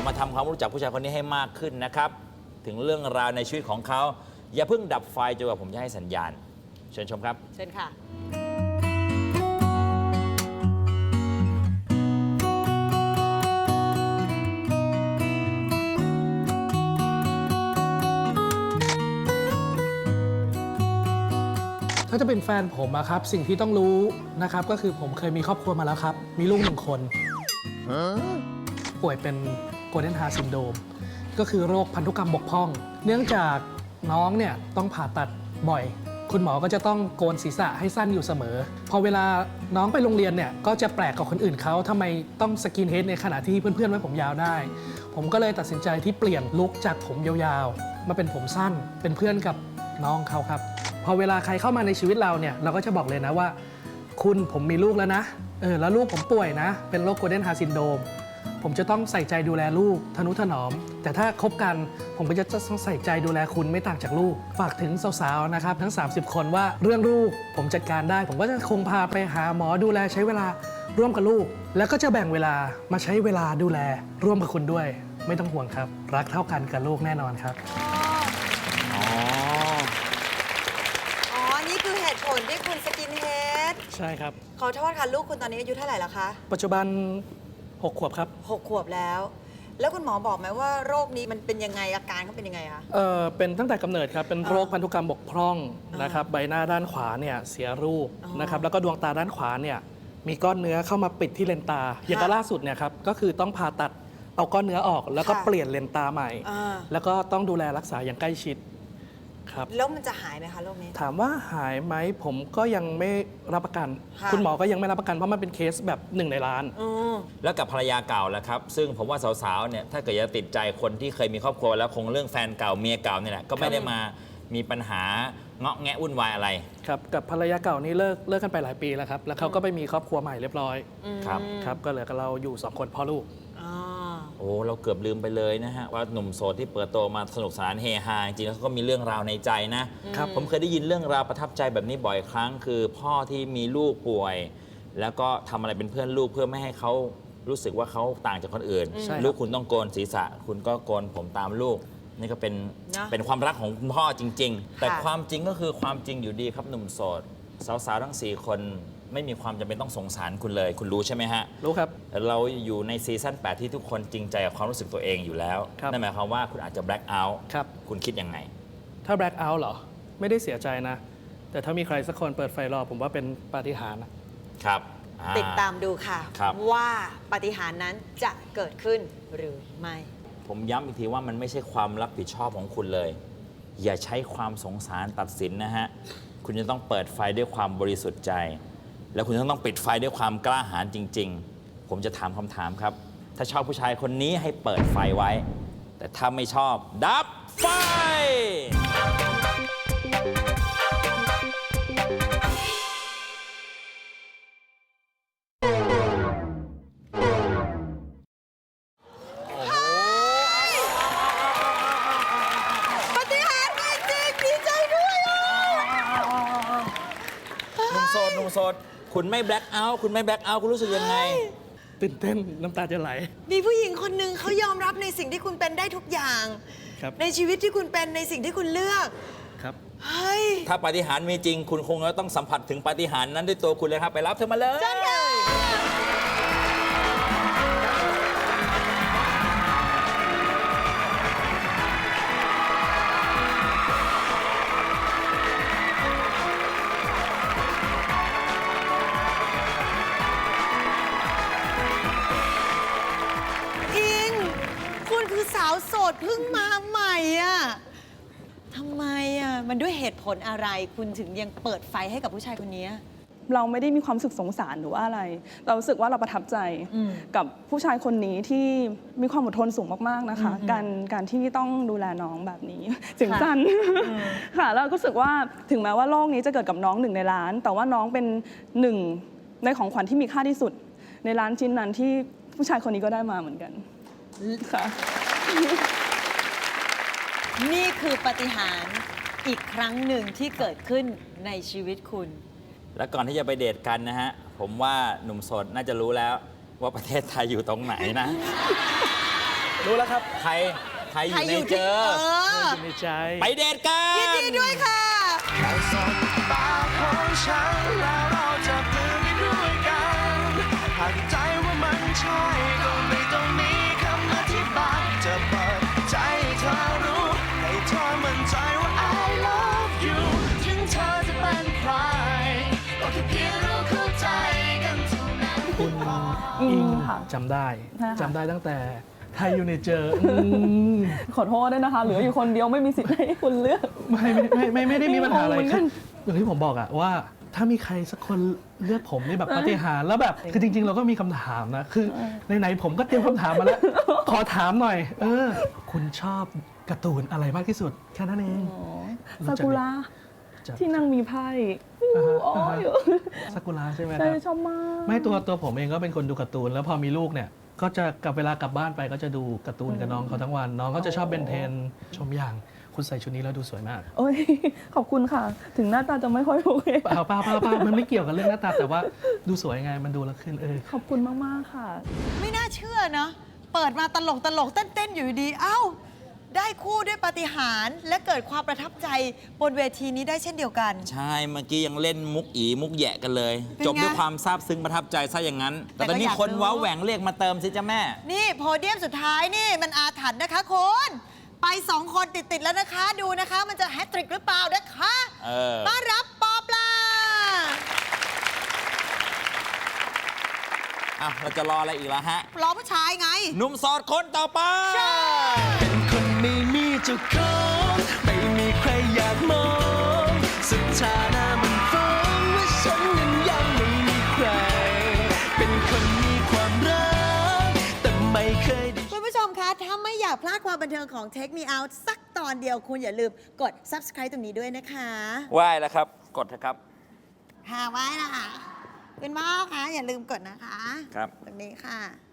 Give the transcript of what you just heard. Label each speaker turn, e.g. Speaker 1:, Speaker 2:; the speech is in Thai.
Speaker 1: เรามาทำความรู้จักผู้ชายคนนี้ให้มากขึ้นนะครับถึงเรื่องราวในชีวิตของเขาอย่าเพิ่งดับไฟจนกว่าผมจะให้สัญญาณเชิญชมครับ
Speaker 2: เชิญค่ะ
Speaker 3: ถ้าจะเป็นแฟนผมอะครับสิ่งที่ต้องรู้นะครับก็คือผมเคยมีครอบครัวมาแล้วครับมีลูก1 คนป่วยเป็นโกลเด้นฮาร์ซินโดรมก็คือโรคพันธุกรรมบกพร่องเนื่องจากน้องเนี่ยต้องผ่าตัดบ่อยคุณหมอก็จะต้องโกนศีรษะให้สั้นอยู่เสมอพอเวลาน้องไปโรงเรียนเนี่ยก็จะแปลกกับคนอื่นเขาทำไมต้องสกินเฮดในขณะที่เพื่อนๆไว้ผมยาวได้ผมก็เลยตัดสินใจที่เปลี่ยนลุคจากผมยาวๆมาเป็นผมสั้นเป็นเพื่อนกับน้องเขาครับพอเวลาใครเข้ามาในชีวิตเราเนี่ยเราก็จะบอกเลยนะว่าคุณผมมีลูกแล้วนะแล้วลูกผมป่วยนะเป็นโรคโกลเด้นฮาร์ซินโดรมผมจะต้องใส่ใจดูแลลูกทนุถนอมแต่ถ้าคบกันผมก็จะต้องใส่ใจดูแลคุณไม่ต่างจากลูกฝากถึงสาวๆนะครับทั้ง30 คนว่าเรื่องลูกผมจัดการได้ผมก็จะคงพาไปหาหมอดูแลใช้เวลาร่วมกับลูกแล้วก็จะแบ่งเวลามาใช้เวลาดูแลร่วมกับคุณด้วยไม่ต้องห่วงครับรักเท่ากันกับลูกแน่นอนครับ
Speaker 2: นี่คือเหตุผลที่คุณสกินเฮด
Speaker 3: ใช่ครับ
Speaker 2: ขอโทษค่ะลูกคุณตอนนี้อายุเท่าไหร่แล้วคะ
Speaker 3: ปัจจุบัน6 ขวบครับ
Speaker 2: 6 ขวบแล้วแล้วคุณหมอบอกไหมว่าโรคนี้มันเป็นยังไงอาการเขาเป็นยังไงคะ
Speaker 3: เป็นตั้งแต่กำเนิดครับเป็นโรคพันธุกรรมบกพร่องนะครับใบหน้าด้านขวาเนี่ยเสียรูปนะครับแล้วก็ดวงตาด้านขวาเนี่ยมีก้อนเนื้อเข้ามาปิดที่เลนตาอย่างล่าสุดเนี่ยครับก็คือต้องผ่าตัดเอาก้อนเนื้อออกแล้วก็เปลี่ยนเลนตาใหม่แล้วก็ต้องดูแลรักษาอย่างใกล้ชิดครับ
Speaker 2: แล้วมันจะหายไหมคะโรคนี้
Speaker 3: ถามว่าหายไหมผมก็ยังไม่รับประกันคุณหมอก็ยังไม่รับประกันเพราะมันเป็นเคสแบบ1 ในล้าน
Speaker 1: แล้วกับภรรยาเก่าแล้วครับซึ่งผมว่าสาวๆเนี่ยถ้าเกิดจะติดใจคนที่เคยมีครอบครัวแล้วคงเรื่องแฟนเก่าเมียเก่าเนี่ยแหละก็ไม่ได้มามีปัญหาเงาะแงะวุ่นวายอะไร
Speaker 3: ครับกับภรรยาเก่านี่เลิกกันไปหลายปีแล้วครับแล้วเขาก็ไปมีครอบครัวใหม่เรียบร้อยครับก็เหลือกับเราอยู่2 คนพ่อลูก
Speaker 1: โอ้เราเกือบลืมไปเลยนะฮะว่าหนุ่มโสดที่เปิดตัวมาสนุกสนานเฮฮาจริงๆแล้วเขาก็มีเรื่องราวในใจนะครับผมเคยได้ยินเรื่องราวประทับใจแบบนี้บ่อยครั้งคือพ่อที่มีลูกป่วยแล้วก็ทำอะไรเป็นเพื่อนลูกเพื่อไม่ให้เขารู้สึกว่าเขาต่างจากคนอื่นลูกคุณต้องโกนศีรษะคุณก็โกนผมตามลูกนี่ก็เป็นความรักของคุณพ่อจริงๆแต่ความจริงก็คือความจริงอยู่ดีครับหนุ่มโสดสาวๆทั้ง4 คนไม่มีความจำเป็นต้องสงสารคุณเลยคุณรู้ใช่ไหมฮะ
Speaker 3: รู้ครับ
Speaker 1: เราอยู่ในซีซั่น8ที่ทุกคนจริงใจกับความรู้สึกตัวเองอยู่แล้วนั่นหมายความว่าคุณอาจจะแบล็คเอาท์คุณคิดยังไง
Speaker 3: ถ้าแบล็คเอาท์เหรอไม่ได้เสียใจนะแต่ถ้ามีใครสักคนเปิดไฟรอผมว่าเป็นปาฏิหาริย์
Speaker 1: ครับ
Speaker 2: ติดตามดูค่ะว่าปาฏิหาริย์นั้นจะเกิดขึ้นหรือไม่
Speaker 1: ผมย้ำอีกทีว่ามันไม่ใช่ความรับผิดชอบของคุณเลยอย่าใช้ความสงสารตัดสินนะฮะคุณจะต้องเปิดไฟด้วยความบริสุทธิ์ใจแล้วคุณต้องปิดไฟด้วยความกล้าหาญจริงๆผมจะถามคำถามครับถ้าชอบผู้ชายคนนี้ให้เปิดไฟไว้แต่ถ้าไม่ชอบดับไฟ
Speaker 2: ปาฏิหาริย์จริงดีใจด้วย
Speaker 1: หนุ่มโสดคุณไม่แบล็คเอาท์คุณไม่แบล็คเอาท์คุณรู้สึกยังไง
Speaker 3: ตื่นเต้นน้ำตาจะไหล
Speaker 2: มีผู้หญิงคนหนึ่งเขายอมรับในสิ่งที่คุณเป็นได้ทุกอย่างในชีวิตที่คุณเป็นในสิ่งที่คุณเลือก
Speaker 3: ครับ
Speaker 1: ถ้าปาฏิหาริย์มีจริงคุณคงจะต้องสัมผัสถึงปาฏิหาริย์นั้นด้วยตัวคุณเลยครับไปรับเธอมาเลย
Speaker 2: สาวโสดเพิ่งมาใหม่อ่ะทำไมอ่ะมันด้วยเหตุผลอะไรคุณถึงยังเปิดไฟให้กับผู้ชายคนนี้
Speaker 4: เราไม่ได้มีความรู้สึกสงสารหรือว่าอะไรเรารู้สึกว่าเราประทับใจกับผู้ชายคนนี้ที่มีความอดทนสูงมากๆนะคะการที่ต้องดูแลน้องแบบนี้เสียงสั้นค่ะแล้วก็รู้สึกว่าถึงแม้ว่าโลกนี้จะเกิดกับน้อง1 ในล้านแต่ว่าน้องเป็น1 ในของขวัญที่มีค่าที่สุดในล้านชิ้นนั้นที่ผู้ชายคนนี้ก็ได้มาเหมือนกันค่ะ
Speaker 2: นี่คือปาฏิหาริย์อีกครั้งหนึ่งที่เกิดขึ้นในชีวิตคุณ
Speaker 1: และก่อนที่จะไปเดทกันนะฮะผมว่าหนุ่มโสดน่าจะรู้แล้วว่าประเทศไทยอยู่ตรงไหนนะ
Speaker 3: รู้แล้วครับ
Speaker 1: ใครอยู่ในเจอ
Speaker 3: อยู่ในใจ
Speaker 1: ไปเดทกัน
Speaker 2: ยินดีด้วยค่ะ
Speaker 5: แค่สบตาของฉันแล้วเราจะปลื้มไปด้วยกันหากใจว่ามันใช่ก็ไม่ต้องมีคำอธิบายจะเปิดใจให้เธอรู้ให้เธอมั่นใจว่า I love you ถึงเธอจะเป็นใครก็แค่เพียงเราเข้าใจกันเท่านั้น
Speaker 3: คุณอิง
Speaker 4: ค่ะ
Speaker 3: จำได้
Speaker 4: ใช่ค่ะ
Speaker 3: จำได้ตั้งแต่ไทยอยู่ในเจอ
Speaker 4: ขอโทษด้วยนะคะ เหลืออยู่คนเดียวไม่มีสิทธิ์ให้คุณเลือก
Speaker 3: ไม่ได้มีปัญหาอะไร
Speaker 4: เหมือนกั
Speaker 3: คือน อย่างที่ผมบอกอะว่าถ้ามีใครสักคนเลือกผมนี่แบบปาฏิหาริย์แล้วแบบคือจริง ๆ เราก็มีคำถามนะคือไหนๆผมก็เตรียมคำถามมาแล้ว ขอถามหน่อย คุณชอบการ์ตูนอะไรมากที่สุดแค่นั้นเอง
Speaker 4: ซากุระ
Speaker 3: จาก
Speaker 4: ที่นั่งมีไพ่
Speaker 3: อ่าฮะ
Speaker 4: อ๋อ
Speaker 3: อ่าฮะ
Speaker 4: อยู่
Speaker 3: ซากุระใช่ไหมค
Speaker 4: ใช่
Speaker 3: รับ
Speaker 4: ชอบมาก
Speaker 3: ไม่ตัวผมเองก็เป็นคนดูการ์ตูนแล้วพอมีลูกเนี่ยก็จะเวลากลับบ้านไปก็จะดูการ์ตูนกับน้องเขาทั้งวันน้องก็จะชอบเบนเทนชมอย่างคุณใส่ชุดนี้แล้วดูสวยมาก
Speaker 4: โอ้ย ขอบคุณค่ะ ถึงหน้าตาจะไม่ค่อยโอเค
Speaker 3: เปล่ามันไม่เกี่ยวกับเรื่องหน้าตาแต่ว่าดูสวยไงมันดูแล้วขึ้น
Speaker 4: ขอบคุณมาก ๆ ค่ะ
Speaker 2: ไม่น่าเชื่อเนาะเปิดมาตลกเต้นอยู่ดีๆเอ้า ได้คู่ด้วยปาฏิหาริย์และเกิดความประทับใจบนเวทีนี้ได้เช่นเดียวกัน
Speaker 1: ใช่เมื่อกี้ยังเล่นมุกอีมุกแหยะกันเลย
Speaker 2: เป็นไง
Speaker 1: จบด้วยความซาบซึ้งประทับใจซะอย่างนั้น
Speaker 2: แต่
Speaker 1: แต่ตอนนี้
Speaker 2: ก็อยาก
Speaker 1: คน
Speaker 2: รู้
Speaker 1: ว้าแหว่งเรียกมาเติมสิจ้าแม่
Speaker 2: นี่โพเดียมสุดท้ายนี่มันอาถรรพ์นะคะคุณไป 2 คนติดๆแล้วนะคะดูนะคะ มันจะแฮตทริกหรือเปล่านะคะ ต้อนรับปอปลา
Speaker 1: เราจะรออะไรอีกแล้วฮะ
Speaker 2: รอผู้ชายไง
Speaker 1: หนุ่มโสดคนต่อไป
Speaker 5: เป็นคนไม่มีเจ้าของไม่มีใครอยากมองสุดท้ายนะมันฟ้องว่าฉันนั้นยังไม่มีใคร เป็นคนมีความรักแต่ไม่เคยได้
Speaker 2: คุณผู้ชมคะ ถ้าไม่อยากพลาดความบันเทิงของ Take Me Out สักตอนเดียวคุณอย่าลืมกด subscribe ตรงนี้ด้วยนะคะ
Speaker 1: ไหว้แล้วครับ กดเถอะครับ
Speaker 2: ค่ะไว้นะคะคุณพ่อคะอย่าลืมกดนะคะ
Speaker 1: ครับ
Speaker 2: ตรงนี้ค่ะ